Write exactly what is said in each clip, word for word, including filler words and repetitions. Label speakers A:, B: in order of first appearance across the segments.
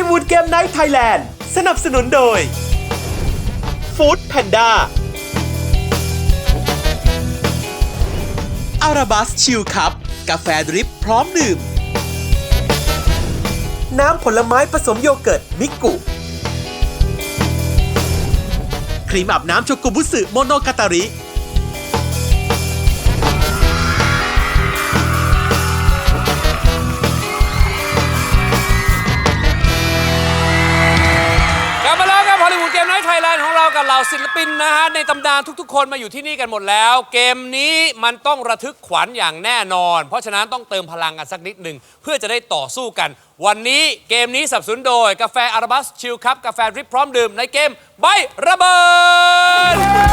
A: วูดเกมไนท์ไทยแลนด์สนับสนุนโดยฟู้ดแพนด้าอาราบัสชิลคัพกาแฟดริปพร้อมดื่มน้ำผลไม้ผสมโยเกิร์ตมิกุครีมอาบน้ำโชกุบุสึโมโนกาตาริ
B: ไทยแลนด์ของเรากับเหล่าศิลปินนะฮะในตำนานทุกๆคนมาอยู่ที่นี่กันหมดแล้วเกมนี้มันต้องระทึกขวัญอย่างแน่นอนเพราะฉะนั้นต้องเติมพลังกันสักนิดหนึ่งเพื่อจะได้ต่อสู้กันวันนี้เกมนี้สนับสนุนโดยกาแฟอาราบัสชิลคัพกาแฟดริปพร้อมดื่มในเกมใบระเบิด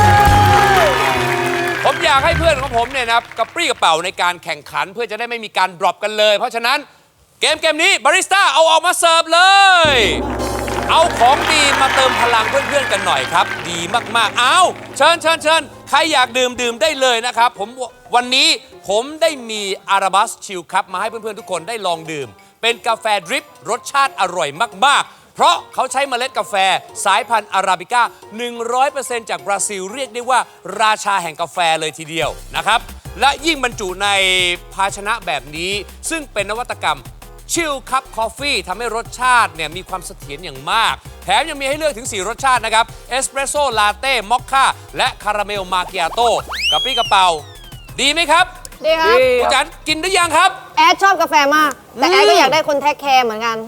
B: ผมอยากให้เพื่อนของผมเนี่ยนะกระปรี้กระเป๋าในการแข่งขันเพื่อจะได้ไม่มีการดรอปกันเลยเพราะฉะนั้นเกมเกมนี้บาริสต้าเอาออกมาเสิร์ฟเลยเอาของดีมาเติมพลังเพื่อนๆกันหน่อยครับดีมากๆเอาเชิญเชิญเชิญใครอยากดื่มดื่มได้เลยนะครับผมวันนี้ผมได้มีอาราบัสชิลคัพมาให้เพื่อนๆทุกคนได้ลองดื่มเป็นกาแฟดริปรสชาติอร่อยมากๆเพราะเขาใช้เมล็ดกาแฟสายพันธุ์อาราบิก้า หนึ่งร้อยเปอร์เซ็นต์ จากบราซิลเรียกได้ว่าราชาแห่งกาแฟเลยทีเดียวนะครับและยิ่งบรรจุในภาชนะแบบนี้ซึ่งเป็นนวัตกรรมชิลคัพคอฟฟี่ทำให้รสชาติเนี่ยมีความเสถียรอย่างมากแถมยังมีให้เลือกถึงสี่รสชาตินะครับเอสเปรสโซ่ลาเต้มอคค่าและคาราเมลมาเกียโต้กระปรี้กระเป๋าดีไหมครับ
C: ดีครับ
B: คุณจันกินได้ยังครับ
C: แอดชอบกาแฟมากแต่แอดก็อยากได้คนแทคแคร์เหมือนกัน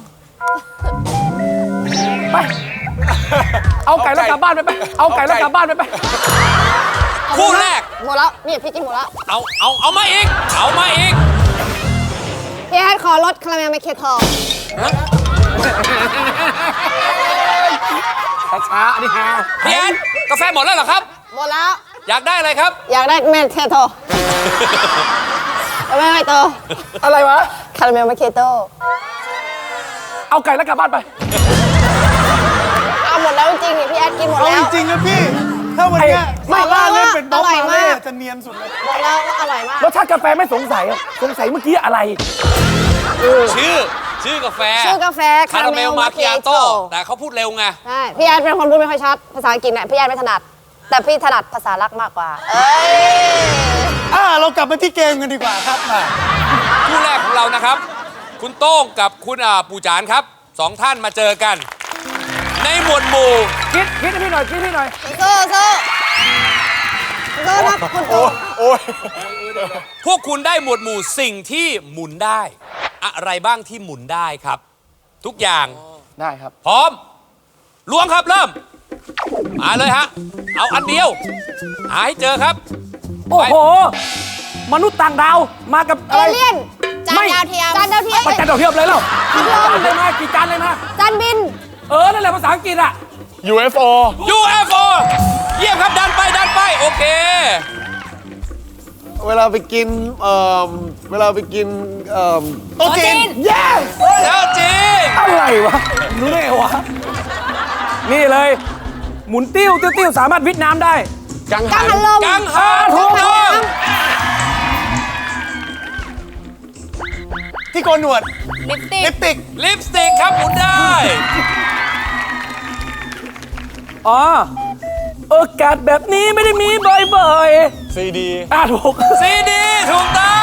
D: ไปเอาไก่แล้วกลับบ้านไปไปเอาไก่แล้วกลับบ้านไปไป
B: คู่แรก
C: หมดแล้วนี่พี่กินหมดแล้ว
B: เอาเอาเอามาอีกเอามาอีก
C: พี่แอดขอรสคาราเมลไมเคทอล
D: ช้าๆนี่ฮะ
B: พี่แอดกาแฟหมดแล้วเหรอครับ
C: หมดแล้ว
B: อยากได้อะไรครับ
C: อยากได้เมเคโตไม่ไม่โต
D: อะไรวะ
C: คาราเมลไมเคโต
D: เอาไก่แล้วกลับบ้านไป
C: เอาหมดแล้วจริงๆนี่พี่แอดกินหมดแล้ว
E: จริงๆนะพี่ถ้าวันนี้มาล่าเล่นเป็นบ๊อบมาเล่จะเนียนสุดเลย
C: หมดแล้วอร่อยมาก
D: รสชาติกาแฟไม่สงสัยสงสัยเมื่อกี้อะไร
B: ชื่อชื่อกาแฟ
C: ชื่อกาแฟ
B: คาราเมลมาเกียโต้แต่เขาพูดเร็วไง
C: ใช่พี่แอดเป็นคนพูดไม่ค่อยชัดภาษาอังกฤษเนี่ยพี่แอดไม่ถนัดแต่พี่ถนัดภาษารักมากกว่าเอ้ย
E: อ่าเรากลับมาที่เกมกันดีกว่าครับ
B: คู่แรกของเรานะครับคุณโต้งกับคุณปู่จานครับสองท่านมาเจอกันในหมวดหมู่
D: คิดคิดให้พี่หน่อยคิดให้พี่หน่อย
C: โซ่โซ่โซ่ครับคุณโต้ง
E: โอ้ย
B: พวกคุณได้หมวดหมู่สิ่งที่หมุนได้อะไรบ้างที่หมุนได้ครับทุกอย่าง
D: ได้ครับ
B: พร้อมล้วงครับเริ่มมาเลยฮะเอาอันเดียวหาให้เจอครับ
D: โอ้โหมนุษย์ต่างดาวมากับ
C: เอเลี่ยนจานดาวเทียมจานดาวเทียม
D: ไปจานดาวเทียมเลยเหรอกี่จานเลยมากี่จานเลยมา
C: จานบิน
D: เออนั่นแหละภาษาอังกฤษอะ
E: ยู เอฟ โอ
B: ยู เอฟ โอ เยี่ยมครับดันไปดันไปโอเค
E: เวลาไปกินเอ่อเวลาไปกินเอ่อโต๊ะจีน
D: yes
B: แล้วจีน
D: อะไรวะรู้ได้ไงวะนี่เลยหมุนติ้วติ้วติ้วสามารถวิทน้ำได้
C: กังหันลม
B: กังหันถูกต้อง
E: ที่โกนหนวด
C: ลิปสติก
E: ลิปสติก
B: ลิปสติกครับหมุนได้
D: อ๋อโอกาสแบบนี้ไม่ได้มีบ่อยๆ
E: ซีดี
D: อ่ะถูก
B: ซีดีถูกต้อง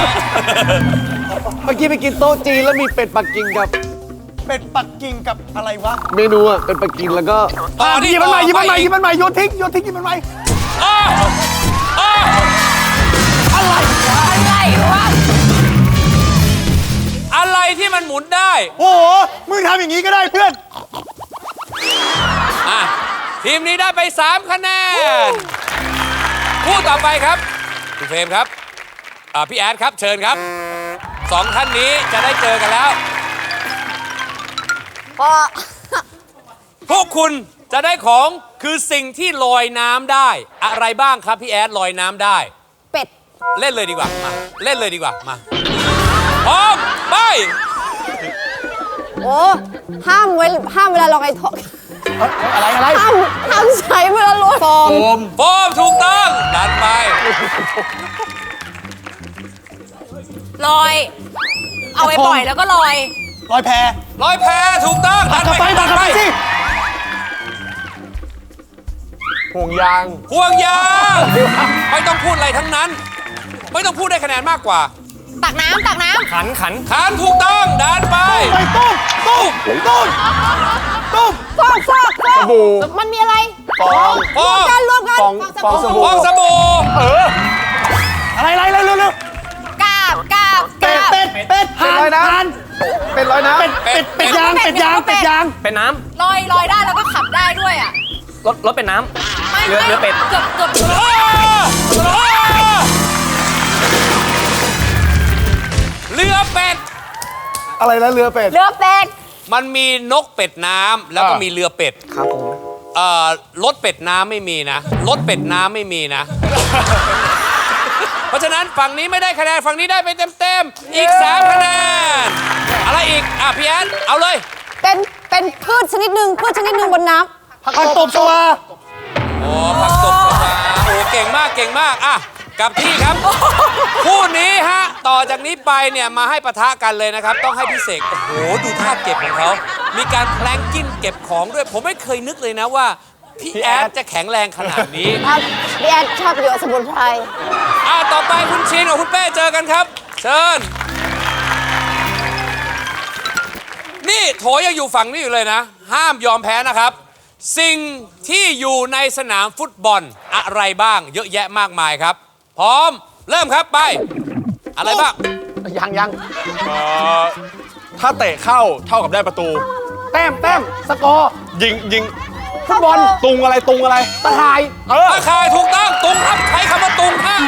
E: เมื่อกี้ไปกินโต๊ะจีนแล้วมีเป็ดปักกิ่งกับเป็ดปักกิ่งกับอะไรวะเมนูอ่ะเป็ดปักกิ่งแล้วก็
B: ต่อที่
E: ยิบมันใหม่ยิบมันใหม่ยิบมันใหม่โยนทิ้งโยนทิ้งยิบมันใหม่
B: อะไร
C: อะไรวะ
B: อะไรที่มันหมุนได้
E: โอ้โหมึงทำอย่างนี้ก็ได้เพื่อน
B: อ่ะทีมนี้ได้ไปสามคะแนนคู่ต่อไปครับคุณเฟรมครับพี่แอดครับเชิญครับสองท่านนี้จะได้เจอกันแล้วพวกคุณจะได้ของคือสิ่งที่ลอยน้ำได้อะไรบ้างครับพี่แอดลอยน้ำได้
C: เป็ด
B: เล่นเลยดีกว่ามาเล่นเลยดีกว่ามาพร้อมไป
C: โอ้ห้ามเวลห้ามเวลาลอยท้อง
D: อะไรอะไร
C: ห้ามห้ามใช้เวลาลอยโฟ
B: มโฟมถูกต้องดันไป
F: ลอยเอาไว้ปล่อยแล้วก็ลอย
E: ลอยแพ
B: ลอยแพถูกต้อง
E: ตัดกลับไปตัดกลับไปสิห่วงยาง
B: ห่วงยางไม่ต้องพูดอะไรทั้งนั้น ไม่ต้องพูดได้คะแนนมากกว่า
C: ตักน้ำตักน้
D: ขันขัน
B: ขานถูกต้องดันไป
E: ไปตุ้มตุ้มตุ้มตุ้ม
C: ำฟอกฟอกฟอก
E: บู่
C: มันมีอะไร
E: ฟอง
B: ฟอง
C: กันรวมกัน
E: ฟองฟองสบู่
B: ฟองสบู่
E: อะไรอะไรเร็วเร็วเร็ว
C: กาบกาบ
E: เป็ด
C: กาบ
E: เป็ดเป็ดห่านห่านเป็ดลอยน้ำเป็ดเป็ดเป็ดยางเป็ดยางเป็ดยาง
D: เป็นน้
C: ลอยลอยได้แล้วก็ขับได้ด้วยอ่ะ
D: ำรถรถเป็นน้
C: ไม่
D: เรือ
C: ไม่
D: เรือเป็ด
C: เกือบเกือบ
B: อ้าอ้าเรือเป็ด
E: อะไรนะเรือเป็ด
C: เรือเป็ด
B: มันมีนกเป็ดน้ำแล้วก็
E: อ่ามี
B: มีเรือเป็ด
D: ำครับผม
B: เอ่อรถเป็ดน้ำไม่มีนะรถเป็ดน้ำไม่มีนะ เพราะฉะนั้นฝั่งนี้ไม่ได้คะแนนฝั่งนี้ได้ไปเต็มๆอีกสามคะแนนอะไรอีกอ่ะพี่แอนเอาเลย
C: เป็นเป็นพืชชนิดหนึ่งพืชชนิดหนึ่งบนน้ำ
E: ผักตบชวา
B: โอ้ผักตบชวาโอ้เก่งมากเก่งมากอ่ะกลับที่ครับ คู่นี้ฮะต่อจากนี้ไปเนี่ยมาให้ปะทะกันเลยนะครับ ต้องให้พี่เสกโอ้โหดูท่าเก็บของเขามีการแพลงกิ้นเก็บของด้วย ผมไม่เคยนึกเลยนะว่าพี่แอดจะแข็งแรงขนาดนี้
C: ครับพี่แอนชอบประโยชน์สมุนไพร
B: อ่ะต่อไปคุณชินกับคุณเป้เจอกันครับ เชิญ นี่โถยังอยู่ฝั่งนี้อยู่เลยนะ ห้ามยอมแพ้นะครับ สิ่งที่อยู่ในสนามฟุตบอลอะไรบ้าง เยอะแยะมากมายครับ พร้อมเริ่มครับไป อะไรบ้าง
E: ยังยัง
F: ถ้าเตะเข้าเท่ากับได้ประตู
E: แต้มแต้มสกอร์
F: ยิงยิง
E: ฟุตบอล
F: ตุงอะไรตุงอะไร
E: ตะข่าย
F: เออ
B: ตาข่ายถูกต้องตุงครับใช้คำว่าตุงฮะ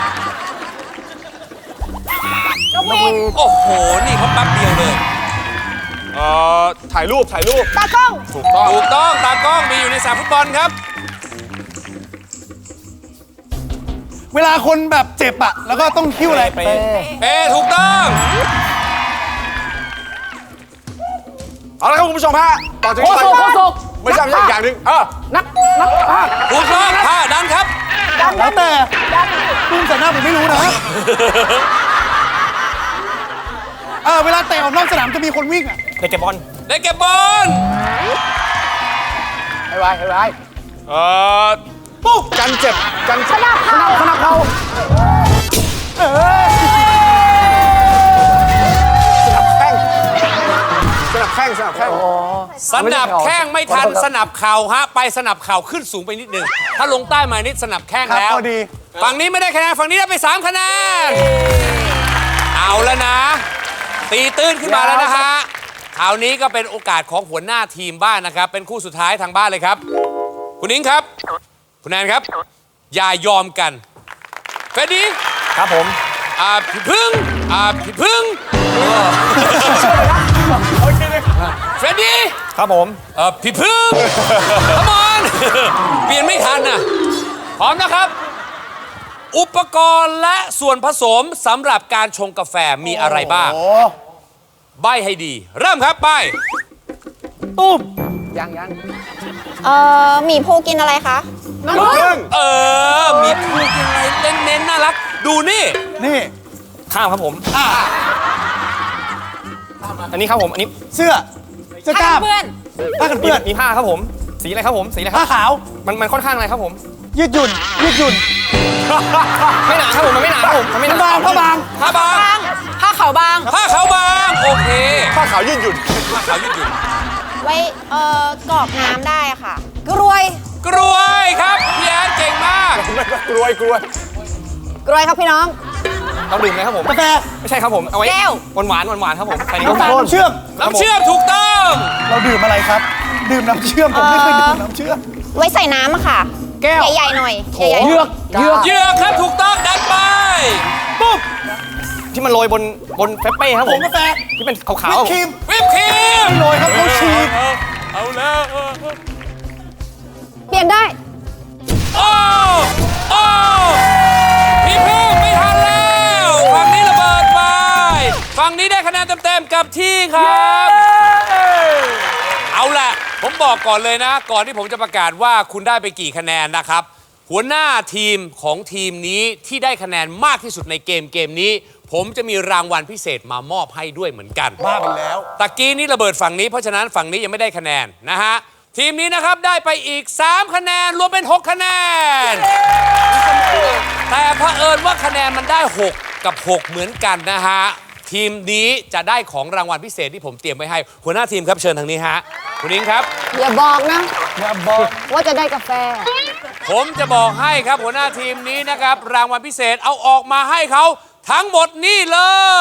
C: นกหวีด
B: โอ้โห นี่เขาแป๊บเดียวเลย
F: เอ่อถ่ายรูปถ่ายรูป
C: ตากล้อง
F: ถูกต้อง
B: ถูกต้องตากล้องมีอยู่ในสนามฟุตบอลครับ
E: เวลาคนแบบเจ็บอะแล้วก็ต้องคิ้วอะไร
D: ไป
B: เป้ถูกต้อง
F: เอาละครับคุณผู้ชมฮะต่อจาก
D: โค
F: นี้ไป
D: โซโคโซ
F: ไม่ใช่ไม่ใช่อีกอย่างหนึ่งเออ
D: นักนักภาค
B: ถูกต้องผ้าดันครับ
E: แล้วแต่ตุ้มใส่หน้าผมไม่รู้นะเออเวลาเตะออกนอกสนามจะมีคนวิ่งอะ
D: เด็กเก็บบอล
B: ได้เก็บบอล
E: ไอ้ไวไอ้ไว
F: เอ่อ
E: ปุ๊บ
F: กันเจ็บกันเจ็บ
E: ขนาดเขาเออ
F: สนับแข้งสนับแข้งสนับแข้ง
B: สนับแข้งไม่ทันสนับเข่าฮะไปสนับเข่าขึ้นสูงไปนิดนึงถ้าลงใต้มานิดสนับแข้ง
E: ครับ
B: แล้ว
E: พอดี
B: ฝั่งนี้ไม่ได้คะแนนฝั่งนี้ได้ไปสามคะแนนเอาแล้วนะ ตีตื้นขึ้นมาแล้วนะฮะคราวนี้ก็เป็นโอกาสของหัวหน้าทีมบ้านนะครับ เป็นคู่สุดท้ายทางบ้านเลยครับ คุณนิ้งครับ คุณแอนครับ อย่ายอมกันเฟรดดี้
D: ครับผม
B: อ่าพี่พึ่งอ่าพี่พึ่งเฟรดดี้
D: ครับผม
B: เอ่อพี่พึ่ง Come on เปลี่ยนไม่ทันนะพร้อมนะครับ อุปกรณ์และส่วนผสมสำหรับการชงกาแฟมีอะไรบ้าง
E: โอ้
B: ใบให้ดี เริ่มครับใบ
E: ตุ้มยังยัง
C: เอ่อหมีภูกินอะไรคะมะม่วง
F: ครึ่ง
B: เออ มีพูดยังไงเน้นๆน่ารัก ดูนี่
E: นี่
D: ข้ามครับผม
E: อ่ะ
D: อันนี้ครับผมอันนี้
E: เสื้อเสื้อกล้าม
C: เพื่อน
E: ผ้ากัน
D: มี
E: เปื้อน
D: มีผ้าครับผม สีอะไรครับผมสีอะไรค
E: ผ้า
D: รับ
E: ขาว
D: มันมันค่อนข้างอะไรครับผม
E: ยืดหยุ่นยืดหยุ่น
D: ไม่หนาครับผมมันไม่หนาครับผมมันไม่หนา
E: บางผ้าบาง
B: ผ้าบาง
C: ผ้าขาวบาง
B: ผ้าขาวบาง โอเค
F: ผ้าขาวยืดหยุ่น
B: ผ้าขาวยืดหยุ่น
C: ไว้เอ่อกรอกน้ำได้ค่ะ กรวย
B: กรวยครับพี่แอนเก่งมาก
F: กล้วยกล้วย
C: กรวยครับพี่น้อง
D: เราดื่มไหมครับผม
E: กาแฟ
D: ไม่ใช่ครับผมเอาไว้
C: แก้ว
D: หวานหวานหวานหวานๆครับผมใส่ใน
E: น้ำ
D: กาแฟ
E: ตาลน้ำเชื่อม
B: น้ำเชื่อมถูกต้อง
E: เราดื่มอะไรครับ ดื่มน้ำเชื่อมผมไม่เคยดื่มน้ำเชื่อม
C: ไว้ใส่น้ำอะค่ะ
E: แก้ว
C: ใหญ่ๆหน่อยใหญ่ๆ
E: เยือกเยือก
B: เหยือกครับถูกต้องดันไป
E: ปุ๊บ
D: ที่มันโรยบนบนเฟปเป้ครับ
E: ผ
D: ผม ม
E: กาแฟ
D: ที่เป็นขาว
E: วิ
D: ๆ
E: ป
D: อะ
E: ครีม
B: วิปครีม
E: โรยครับเขาฉีก
B: เอาเอาแล้ว
C: เปลี่ยนได้
B: โอ้โอ้พี่พึ่งไม่ทันแล้วฝั่งนี้ระเบิดไปฝั่งนี้ได้คะแนนเต็มๆกับที่ครับ เอาล่ะ ผมบอกก่อนเลยนะ ก่อนที่ผมจะประกาศว่าคุณได้ไปกี่คะแนนนะครับ หัวหน้าทีมของทีมนี้ที่ได้คะแนนมากที่สุดในเกมเกมนี้ผมจะมีรางวัลพิเศษมามอบให้ด้วยเหมือนกัน
E: บ้าไปแล้ว
B: ตะกี้นี้ระเบิดฝั่งนี้เพราะฉะนั้นฝั่งนี้ยังไม่ได้คะแนนนะฮะทีมนี้นะครับได้ไปอีกสามคะแนนรวมเป็นหกคะแนนแต่เผอิญว่าคะแนนมันได้หกกับหกเหมือนกันนะฮะทีมนี้จะได้ของรางวัลพิเศษที่ผมเตรียมไว้ให้หัวหน้าทีมครับเชิญทางนี้ฮะคุณอิงครับ
C: อย่าบอกนะ
E: อย่าบอก
C: ว่าจะได้กาแฟ
B: ผมจะบอกให้ครับหัวหน้าทีมนี้นะครับรางวัลพิเศษเอาออกมาให้เขาทั้งหมดนี่เลย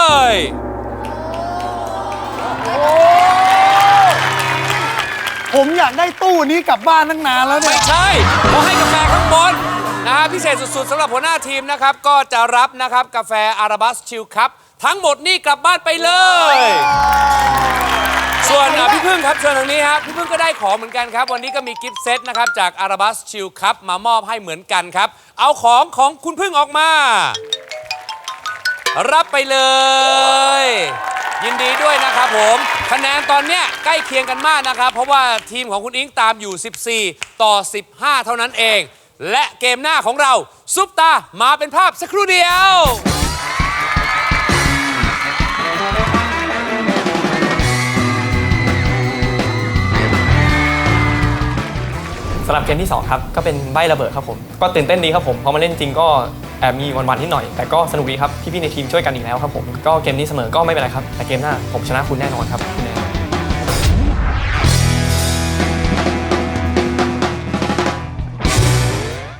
E: ผมอยากได้ตู้นี้กลับบ้านตั้งนานแล้วเนี่
B: ไม่
E: ย
B: ใช่เขาให้กาแฟข้างบนนะฮะพิเศษสุดๆสำหรับหัวหน้าทีมนะครับก็จะรับนะครับกาแฟอาราบัสชิลคัพทั้งหมดนี่กลับบ้านไปเลย ส่วนอ่ะพี่พึ่งครับเชิญทางนี้ครับพี่พึ่งก็ได้ของเหมือนกันครับวันนี้ก็มีกิฟต์เซตนะครับจากอาราบัสชิลคัพมามอบให้เหมือนกันครับเอาของของคุณพึ่งออกมา รับไปเลย ยินดีด้วยนะครับผมคะแนนตอนเนี้ยใกล้เคียงกันมากนะครับเพราะว่าทีมของคุณอิงตามอยู่สิบสี่ต่อสิบห้าเท่านั้นเอง และเกมหน้าของเราซุปตามาเป็นภาพสักครู่เดียว
G: สำหรับเกมที่สองครับก็เป็นใบ้ระเบิดครับผมก็ตื่นเต้นดีครับผมพอมาเล่นจริงก็แอบมีวันๆนิดหน่อยแต่ก็สนุกดีครับพี่ๆในทีมช่วยกันอีกแล้วครับผมก็เกมนี้เสมอก็ไม่เป็นไรครับแต่เกมหน้าผมชนะคุณแน่นอนครับคุณแนน